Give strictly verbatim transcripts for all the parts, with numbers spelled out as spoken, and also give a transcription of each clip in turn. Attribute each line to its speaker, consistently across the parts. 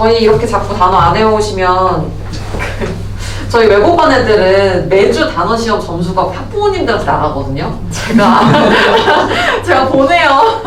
Speaker 1: 저희 이렇게 자꾸 단어 안 외우시면 저희 외국반 애들은 매주 단어 시험 점수가 학부모님들한테 나가거든요. 제가 제가 보내요.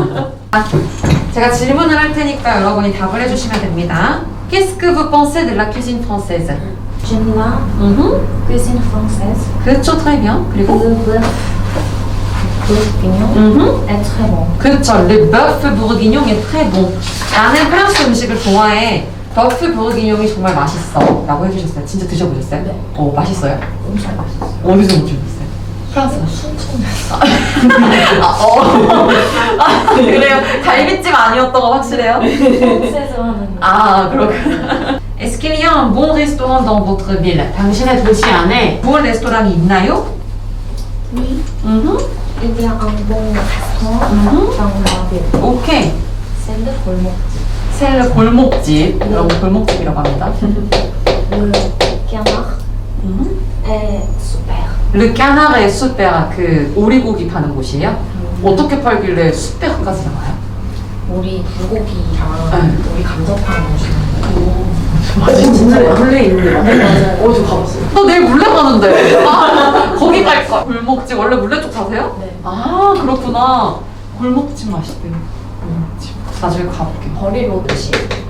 Speaker 1: 제가 질문을 할 테니까 여러분이 답을 해주시면 됩니다. Qu'est-ce que vous pensez de la cuisine française?
Speaker 2: J'aime la
Speaker 1: Mhm.
Speaker 2: cuisine française.
Speaker 1: 그렇죠, très bien. 그리고
Speaker 2: Le bœuf bourguignon
Speaker 1: Mhm.
Speaker 2: est très bon.
Speaker 1: 그렇죠. Le bœuf bourguignon est très bon. 나는 프랑스 음식을 좋아해. 버프 보르기뇽이 정말 맛있어 라고 해주셨어요. 진짜 드셔보셨어요?
Speaker 2: 네.
Speaker 1: 어, 맛있어요?
Speaker 2: 엄청 맛있어요.
Speaker 1: 어디서 드셔보셨어요? 프랑스.
Speaker 2: 순천에서.
Speaker 1: 아, 어. 아, 그래요? 갈비집 아니었던 거 확실해요?
Speaker 2: 프랑스에서 하는.
Speaker 1: 아, 그렇구나. Est-ce qu'il y a un bon restaurant dans votre ville? 당신의 도시 안에 좋은 레스토랑이 있나요?
Speaker 2: Oui,
Speaker 1: 음.
Speaker 2: il y a un bon restaurant
Speaker 1: Mhm.
Speaker 2: dans la ville.
Speaker 1: 오케이.
Speaker 2: C'est le 골목집.
Speaker 1: 셀르 골목집. 여러분 골목집이라고 합니다.
Speaker 2: Le canard
Speaker 1: 음.
Speaker 2: est super.
Speaker 1: Le canard est super. 그 오리고기 파는 곳이에요? 어떻게 팔길래 수백까지 나와요?
Speaker 2: 우리 불고기랑
Speaker 1: 네.
Speaker 2: 우리 감자탕 주는
Speaker 1: 맞아, 진짜 물레 있는데.
Speaker 2: 네, 맞아요.
Speaker 1: 어디 가봤어요? 나 내일 물레 가는데. 아, 거기 갈 거. 골목집 원래 물레 쪽 사세요?
Speaker 2: 네.
Speaker 1: 아, 그렇구나. 골목집 맛있대요. 골목집. 나중에 가볼게.
Speaker 2: 버릴 오듯이.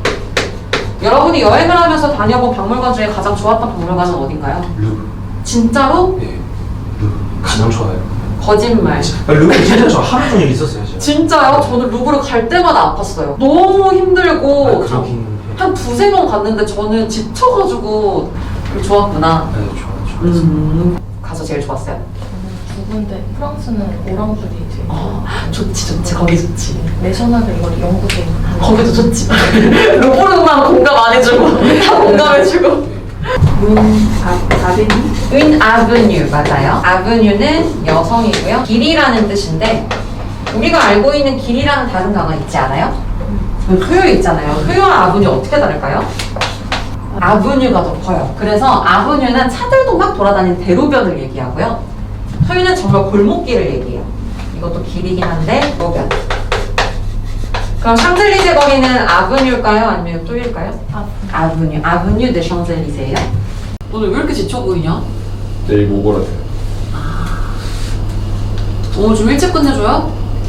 Speaker 1: 여러분이 여행을 하면서 다녀본 박물관 중에 가장 좋았던 박물관은 어딘가요?
Speaker 3: 루브.
Speaker 1: 진짜로?
Speaker 3: 네. 루브 가장 좋아요.
Speaker 1: 거짓말.
Speaker 3: 아, 루브 진짜 저 하루 종일 있었어요. 제가.
Speaker 1: 진짜요? 저는 루브르 갈 때마다 아팠어요. 너무 힘들고.
Speaker 3: 아, 그렇긴 해요.
Speaker 1: 한 두세 번 갔는데 저는 지쳐가지고 좋았구나.
Speaker 3: 네, 좋아, 좋아.
Speaker 1: 음, 가서 제일 좋았어요.
Speaker 2: 두 군데. 프랑스는 오랑주리 되게.
Speaker 1: 아, 좋지 좋지 거기 좋지.
Speaker 2: 내셔널 이거 영국에 하는.
Speaker 1: 거기도 좋지. 루브르만 공감 안 해주고 다 공감해주고.
Speaker 2: 문 아, 아베니?
Speaker 1: Une avenue 맞아요. avenue는 여성이고요. 길이라는 뜻인데 우리가 알고 있는 길이라는 다른 단어 있지 않아요? 효요 있잖아요. 효요와 아브뉴 어떻게 다를까요? 아브뉴가 더 커요. 그래서 아브뉴는 차들도 막 돌아다니는 대로변을 얘기하고요. 효요는 정말 골목길을 얘기해요. 이것도 길이긴 한데 로변. 그럼 샹젤리제 거리는 아브뉴일까요? 아니면 또일까요? 아브뉴. 아브뉴 데 샹젤리제예요. 오늘 왜 이렇게 지쳐 보이냐?
Speaker 4: 내일 모고라세요.
Speaker 1: 오늘 좀 일찍 끝내줘요?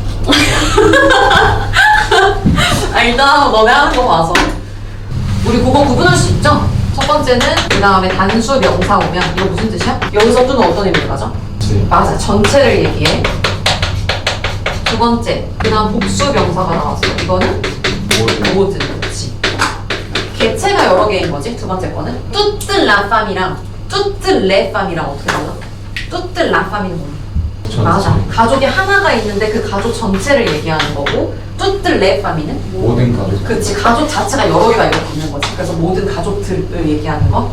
Speaker 1: 아, 일단 한번 너네 하는 거 봐서 우리 그거 구분할 수 있죠? 첫 번째는 그 다음에 단수 명사 오면 이거 무슨 뜻이야? 여기서 또는 어떤 의미를 가져?
Speaker 4: 네.
Speaker 1: 맞아, 전체를 얘기해. 두 번째, 그 다음 복수 명사가 나왔어. 이거는
Speaker 4: 모든
Speaker 1: 모든, 그렇지. 개체가 여러 개인 거지, 두 번째 거는. 뚜뜨 라팜이랑 뚜뜨 레팜이랑 어떻게 달라? 뚜뜨 라팜이는 뭐야?
Speaker 4: 전체.
Speaker 1: 맞아. 가족이 하나가 있는데 그 가족 전체를 얘기하는 거고 뚜뜨 레팜이는
Speaker 4: 모든 가족.
Speaker 1: 그치, 가족 자체가 여러 개가 이렇게 있는 거지. 그래서 모든 가족들을 얘기하는 거.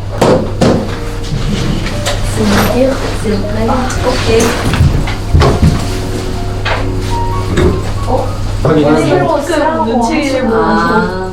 Speaker 2: C'est dire, s'il vous plaît.
Speaker 1: 오케이.
Speaker 2: 어?
Speaker 4: 확인하세요.
Speaker 2: 새로 쓰라고
Speaker 5: 눈치를 보고.
Speaker 1: 아,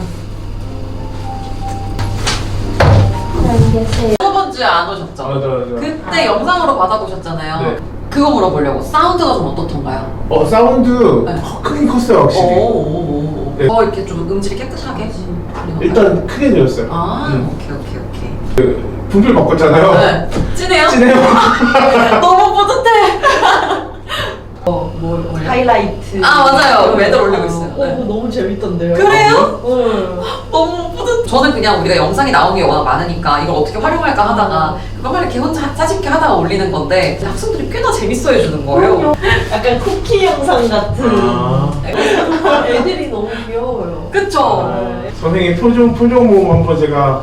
Speaker 2: 이게 제
Speaker 1: 저번 주에 안 오셨죠?
Speaker 4: 맞아, 맞아.
Speaker 1: 그때 영상으로 받아보셨잖아요.
Speaker 4: 네.
Speaker 1: 그거 물어보려고. 사운드가 좀 어떻던가요?
Speaker 4: 어, 사운드
Speaker 1: 네.
Speaker 4: 크긴 컸어요, 확실히.
Speaker 1: 오오오오.
Speaker 4: 네.
Speaker 1: 더 이렇게 좀 음질이 깨끗하게 들리는 건가요?
Speaker 4: 일단 크게 들렸어요.
Speaker 1: 아,
Speaker 4: 음.
Speaker 1: 오케이 오케이 오케이.
Speaker 4: 그 분필 바꿨잖아요.
Speaker 1: 네. 진해요?
Speaker 4: 진해요.
Speaker 1: 너무 뿌듯해. 어, 뭘 올려?
Speaker 5: 하이라이트.
Speaker 1: 아, 맞아요. 매달 올리고 있어요.
Speaker 5: 어,
Speaker 1: 네.
Speaker 5: 너무 재밌던데요.
Speaker 1: 그래요?
Speaker 5: 응.
Speaker 1: 너무 뿌듯. 저는 그냥 우리가 영상이 나오는 게 워낙 많으니까 이걸 어떻게 활용할까 하다가 그것만 이렇게 혼자 사진기 하다가 올리는 건데 학생들이 꽤나 재밌어 해주는 거예요.
Speaker 5: 약간 쿠키 영상 같은.
Speaker 4: 아.
Speaker 5: 애들이 너무 귀여워요.
Speaker 1: 그쵸?
Speaker 5: 네.
Speaker 4: 선생님 표정, 표정 모음 한번 제가.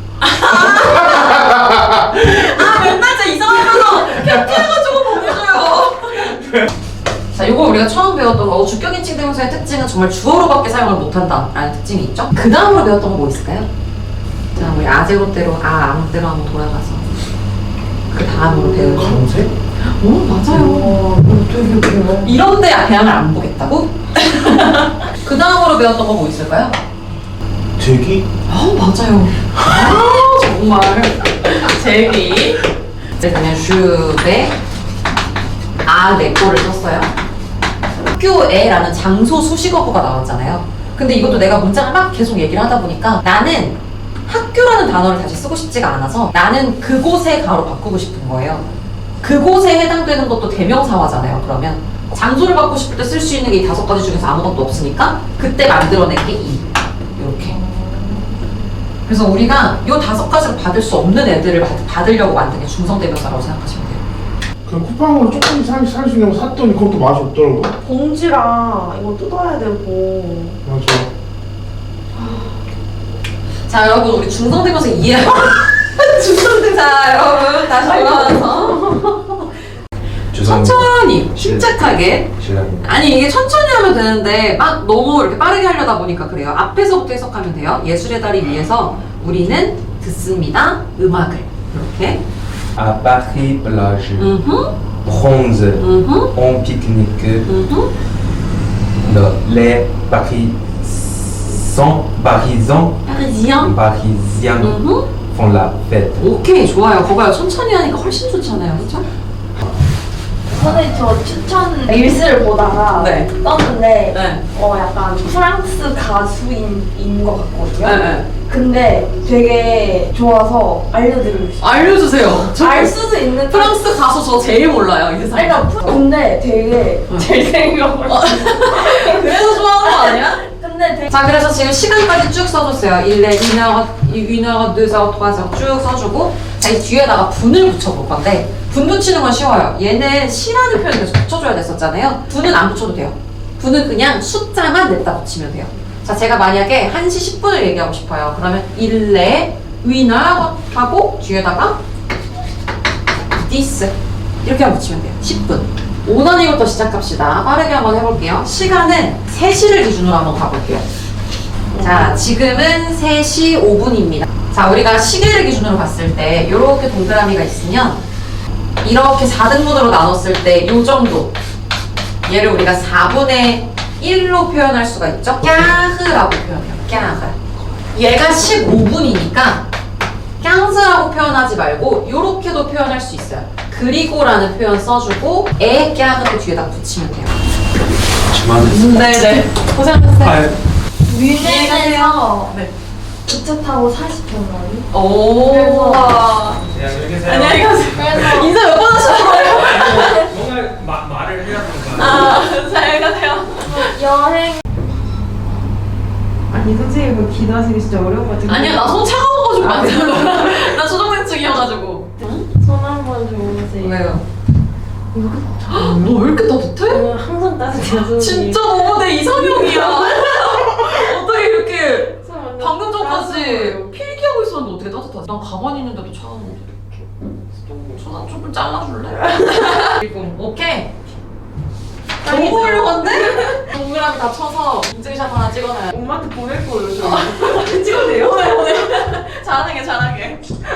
Speaker 1: 아, 맨날 진짜 이상하면서 캡처해가지고 보내줘요. 자, 요거 우리가 처음 배웠던 거 주격인칭 대명사의 특징은 정말 주어로밖에 사용을 못한다 라는 특징이 있죠. 그 다음으로 배웠던 거 뭐 있을까요? 자, 우리 아제로대로 아 암대로 한번 돌아가서 그 다음으로 배우는 거.
Speaker 4: 검색?
Speaker 1: 오, 맞아요.
Speaker 5: 어, 되게 귀여워.
Speaker 1: 이런데 대항을 안 보겠다고? 그 다음으로 배웠던 거 뭐 있을까요?
Speaker 4: 제기?
Speaker 1: 아, 맞아요. 아, 정말. 제기. 그냥 슈에 아, 네 거를 썼어요. 학교에라는 장소 수식어구가 나왔잖아요. 근데 이것도 내가 문장을 막 계속 얘기를 하다 보니까 나는 학교라는 단어를 다시 쓰고 싶지가 않아서 나는 그곳에 가로 바꾸고 싶은 거예요. 그곳에 해당되는 것도 대명사화잖아요. 그러면 장소를 바꾸고 싶을 때 쓸 수 있는 게 이 다섯 가지 중에서 아무것도 없으니까 그때 만들어낸 게 이. 이렇게. 그래서 우리가 이 다섯 가지를 받을 수 없는 애들을 받, 받으려고 만든 게 중성대명사라고 생각하시면 돼요.
Speaker 4: 그 쿠팡으로 조금 살, 살 수 있는 거 샀더니 그것도 맛이 없더라고요.
Speaker 5: 봉지랑 이거 뜯어야 되고.
Speaker 4: 맞아.
Speaker 1: 자 여러분 우리 중성대명사 이해하고 중성대명사 여러분 다시 돌아와서 천천히 침착하게
Speaker 3: 실례합니다.
Speaker 1: 아니 이게 천천히 하면 되는데 막 너무 이렇게 빠르게 하려다 보니까 그래요. 앞에서부터 해석하면 돼요. 예술의 달이 위해서 우리는 듣습니다. 음악을 이렇게
Speaker 6: À Paris plage,
Speaker 1: 음흠
Speaker 6: bronze,
Speaker 1: 음흠
Speaker 6: on pique-nique,
Speaker 1: 음흠
Speaker 6: le- les Parisiens, Parisiens,
Speaker 1: 파리지앙
Speaker 6: Parisiens
Speaker 1: 음흠
Speaker 6: font la fête.
Speaker 1: 오케이 좋아요. 거봐요. 천천히 하니까 훨씬 좋잖아요. 그렇죠?
Speaker 2: 선생님 저 추천 릴스를 보다가
Speaker 1: 네.
Speaker 2: 떴는데
Speaker 1: 네.
Speaker 2: 어 약간 프랑스 가수인 인 것 같거든요.
Speaker 1: 네, 네.
Speaker 2: 근데 되게 좋아서 알려드리고 싶어요.
Speaker 1: 알려주세요. 저
Speaker 2: 알 수도 있는
Speaker 1: 프랑스 가수 저 제일 몰라요. 이 세상에.
Speaker 2: 아니, 그러니까 근데 되게 잘생겨가지고
Speaker 1: 그래서 좋아하는 거 아니야?
Speaker 2: 근데 되게
Speaker 1: 자 그래서 지금 시간까지 쭉 써줬어요. 일 회, 이 회, 이 회, 이 회, 쭉 써주고 자 이 뒤에다가 분을 붙여볼 건데 분 붙이는 건 쉬워요. 얘는 시라는 표현을 계속 붙여줘야 됐었잖아요. 분은 안 붙여도 돼요. 분은 그냥 숫자만 냈다 붙이면 돼요. 자 제가 만약에 한 시 십 분을 얘기하고 싶어요. 그러면 일레 위너 하고 뒤에다가 this 이렇게 하면 붙이면 돼요. 십 분. 오 단위부터 시작합시다. 빠르게 한번 해볼게요. 시간은 세 시를 기준으로 한번 가볼게요. 자, 지금은 세 시 오 분입니다. 자, 우리가 시계를 기준으로 봤을 때 이렇게 동그라미가 있으면 이렇게 사 등분으로 나눴을 때 이 정도 얘를 우리가 사분의 일로 표현할 수가 있죠. 꺄흐라고 표현해요. 꺄흐. 얘가 십오 분이니까 꺄즈라고 표현하지 말고 이렇게도 표현할 수 있어요. 그리고라는 표현 써주고 에 꺄흐도 뒤에다 붙이면 돼요.
Speaker 3: 그만.
Speaker 1: 네네. 고생하셨어요.
Speaker 3: 아,
Speaker 2: 뮤직에서
Speaker 1: 네.
Speaker 2: 기차 타고 사십 분 거리.
Speaker 1: 오.
Speaker 2: 그래서-
Speaker 1: 안녕히 가세요.
Speaker 2: 그래서
Speaker 1: 인사 몇 번 하신 거예요?
Speaker 6: 뭔가 마, 말을 해야 되는 거야.
Speaker 1: 아, 잘 가세요.
Speaker 2: 여행
Speaker 5: 아니 선생님 그 기도하시기 진짜 어려운 것 같아요.
Speaker 1: 아니야, 나 손 차가워가지고 안 되는 나 초정생증이어가지고.
Speaker 5: 손 한번 줘보세요.
Speaker 1: 왜요? 너 왜 이렇게 따뜻해?
Speaker 5: 저는 항상 따뜻해요. 선생님.
Speaker 1: 진짜 너무 내 이상형이야. 어떻게 이렇게
Speaker 5: 손 완전
Speaker 1: 방금 전까지
Speaker 5: 따뜻해요.
Speaker 1: 필기하고 있었는데 어떻게 따뜻하지? 난 가만히 있는데도 차가운데 이렇게 전화 조금 잘라줄래? 그리고 오케이. 너무 훌륭한데? 동그라미 다 쳐서 인증샷 하나 찍어놔요.
Speaker 5: 엄마한테 보낼 거예요. 저.
Speaker 1: 찍어도 돼요? 오늘 오늘 잘하게 잘하게.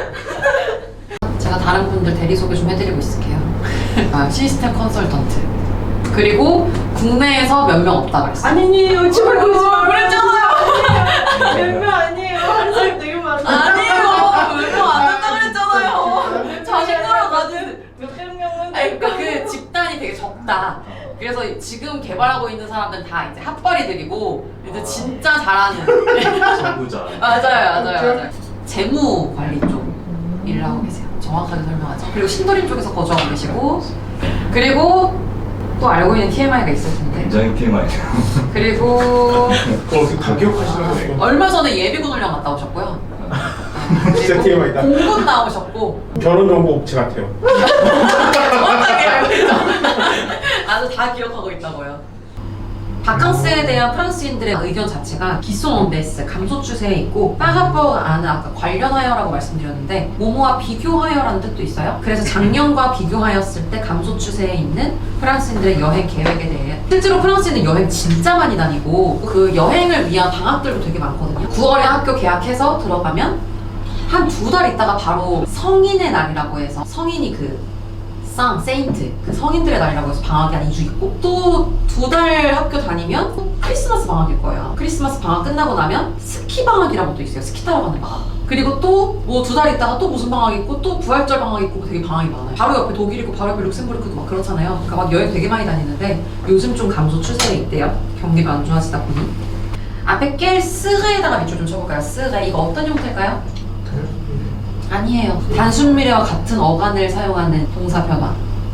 Speaker 1: 제가 다른 분들 대리 소개 좀 해드리고 있을게요. 아, 시스템 컨설턴트. 그리고 국내에서 몇 명 없다 그랬어요.
Speaker 5: 아니에요. 제발 그러지 마.
Speaker 1: 그랬잖아요.
Speaker 5: 몇명 아니에요. 한 살 되게 많아.
Speaker 1: 아니에요. 몇 명 안 된다 그랬잖아요. 자신감을 가진.
Speaker 5: 몇백 명은
Speaker 1: 아니, 그러니까 그 집단이 되게 적다. 그래서 지금 개발하고 있는 사람들은 다 이제 핫벌이들이고 이제 진짜 잘하는.
Speaker 3: 전부자.
Speaker 1: 맞아요, 맞아요, 맞아요. 재무 관리 쪽 일을 하고 계세요. 정확하게 설명하죠. 그리고 신도림 쪽에서 거주하고 계시고, 그리고 또 알고 있는 티엠아이가 있을 텐데.
Speaker 3: 굉장히 피해많이.
Speaker 1: 그리고
Speaker 4: 어, 다 기억하시는 거예요?
Speaker 1: 얼마 전에 예비군 훈련 갔다 오셨고요.
Speaker 4: 진짜 티엠아이다.
Speaker 1: 공군 나오셨고.
Speaker 4: 결혼정보업체 같아요.
Speaker 1: 정확하게 알고 있죠. 아주 다 기억하고 있다고요. 바캉스에 대한 프랑스인들의 의견 자체가 기송온데스, 감소 추세에 있고 파라퍼아는 아까 관련하여라고 말씀드렸는데 모모와 비교하여라는 뜻도 있어요. 그래서 작년과 비교하였을 때 감소 추세에 있는 프랑스인들의 여행 계획에 대해 실제로 프랑스인은 여행 진짜 많이 다니고 그 여행을 위한 방학들도 되게 많거든요. 구월에 학교 개학해서 들어가면 한 두 달 있다가 바로 성인의 날이라고 해서 성인이 그 상, 세인트, 그 성인들의 날이라고 해서 방학이 한 이 주 있고 또 두 달 학교 다니면 크리스마스 방학일 거예요. 크리스마스 방학 끝나고 나면 스키 방학이라고 또 있어요. 스키 타러 가는 방학. 그리고 또 뭐 두 달 있다가 또 무슨 방학 있고 또 부활절 방학 있고 되게 방학이 많아요. 바로 옆에 독일 있고 바로 옆에 룩셈부르크도 막 그렇잖아요. 그러니까 막 여행 되게 많이 다니는데 요즘 좀 감소 추세에 있대요. 경기가 안 좋아지다 보니. 앞에 깰 스레에다가 밑줄 좀 쳐볼까요? 스레. 이거 어떤 형태일까요? 아니에요. 단순 미래와 같은 어간을 사용하는 동사 변화.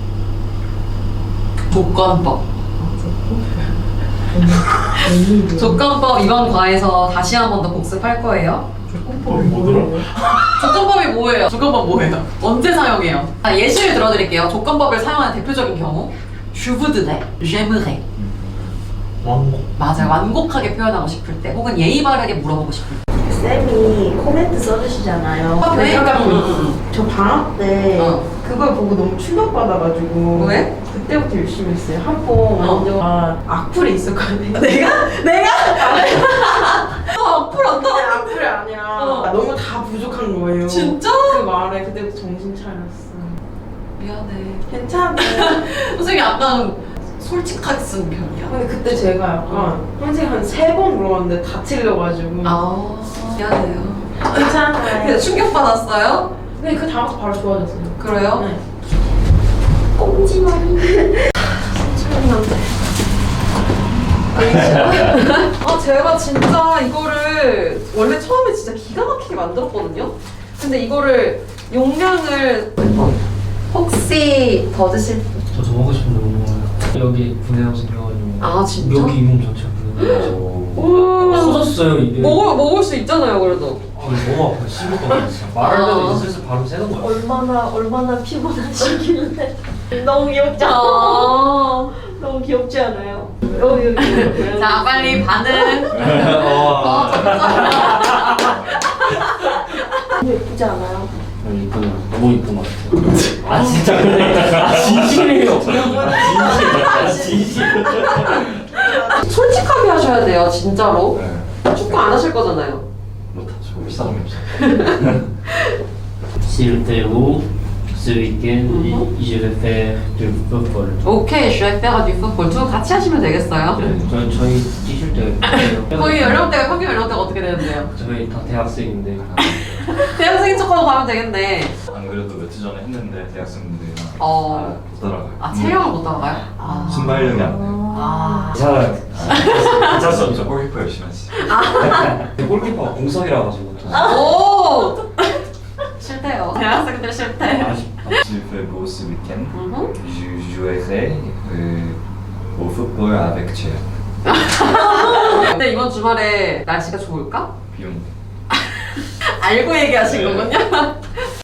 Speaker 1: 조건법. 조건법 이번 과에서 다시 한 번 더 복습할 거예요.
Speaker 4: 조건법이 뭐더라?
Speaker 1: 조건법이 뭐예요? 조건법 뭐예요? 언제 사용해요? 아, 예시를 들어드릴게요. 조건법을 사용하는 대표적인 경우. Je voudrais, j'aimerais.
Speaker 4: 왕곡.
Speaker 1: 맞아요. 완곡하게 표현하고 싶을 때 혹은 예의 바르게 물어보고 싶을 때.
Speaker 5: 쌤이 코멘트 써주시잖아요.
Speaker 1: 아, 왜?
Speaker 5: 음. 저 방학 때
Speaker 1: 어.
Speaker 5: 그걸 보고 너무 충격받아가지고
Speaker 1: 왜?
Speaker 5: 그때부터 열심히 했어요. 한번 완전 아, 악플이 있었거든요.
Speaker 1: 내가? 내가? 너 악플 안
Speaker 5: 근데
Speaker 1: 나?
Speaker 5: 악플이 아니라
Speaker 1: 어.
Speaker 5: 너무 다 부족한 거예요.
Speaker 1: 진짜?
Speaker 5: 그 말에 그때부터 정신 차렸어.
Speaker 1: 미안해.
Speaker 5: 괜찮아.
Speaker 1: 선생님이 약간 솔직하게 쓴 편이야.
Speaker 5: 근데 그때 제가 약간 선생님 한 세 번 물어봤는데 다 틀려가지고
Speaker 1: 아, 미안해요.
Speaker 5: 괜찮아요.
Speaker 1: 근데 충격받았어요?
Speaker 5: 근데 그 다음부터 바로 좋아졌어요.
Speaker 1: 그래요?
Speaker 5: 네. 꼼지마리.
Speaker 1: 아, 제가 진짜 이거를 원래 처음에 진짜 기가 막히게 만들었거든요? 근데 이거를 용량을 혹시 더 드실
Speaker 7: 저 저 먹고 싶은데 못 먹어요. 여기 분해하고 생겨가지고.
Speaker 1: 아, 진짜?
Speaker 7: 여기 잇몸 전체가 분해가지고. 터졌어요 이게.
Speaker 1: 먹을, 먹을 수 있잖아요, 그래도.
Speaker 7: 아, 너무 아파. 씹을 것 같아. 진짜. 말할 때도
Speaker 1: 아.
Speaker 7: 이제 슬슬 바로 새는 거야.
Speaker 5: 얼마나 얼마나 피곤하시길래 너무 귀엽지 않아?
Speaker 1: 아.
Speaker 5: 너무 귀엽지 않아요? 여기 여기
Speaker 1: 자, 빨리 반응.
Speaker 7: 어.
Speaker 5: 너무 예쁘지 않아요?
Speaker 7: 이쁘네. 너무 이쁜 것 같아요. 아 진짜 근데 아 진심이에요. 아 진심.
Speaker 1: 솔직하게 하셔야 돼요, 진짜로.
Speaker 3: 네.
Speaker 1: 축구 안 하실 거잖아요.
Speaker 3: 못하죠. 비싼 게 없어.
Speaker 7: S'il te où ce week-end
Speaker 1: Mhm.
Speaker 7: je vais faire du football.
Speaker 1: 오케이, je vais faire du football. 두 분 같이 하시면 되겠어요.
Speaker 7: 네, 저 저희 뛰실 때
Speaker 1: 거기 연령대가 평균 연령대가 어떻게 되는데요?
Speaker 7: 저희 다 대학생인데.
Speaker 1: 대학생인 척하고 가면 되겠네.
Speaker 3: 안 그래도 며칠 전에 했는데 대학생분들이랑
Speaker 1: 어.
Speaker 3: 못 따라가요.
Speaker 1: 아, 체력을 못 따라가요? 아.
Speaker 3: 순발력이 안 돼.
Speaker 1: 아.
Speaker 7: 괜찮아요.
Speaker 3: 괜찮수 없죠. 골키퍼 열심히 하시.
Speaker 7: 골키퍼가 공석이라 가지고.
Speaker 1: 오! 싫대요. 대학생들 싫대.
Speaker 7: 아쉽다.
Speaker 3: Je fais beau ce week-end.
Speaker 1: Mhm.
Speaker 3: Je jouerai euh, au football avec Thierry.
Speaker 1: 근데 이번 주말에 날씨가 좋을까?
Speaker 3: 비용.
Speaker 1: 알고 얘기하신
Speaker 3: 네.
Speaker 1: 거군요.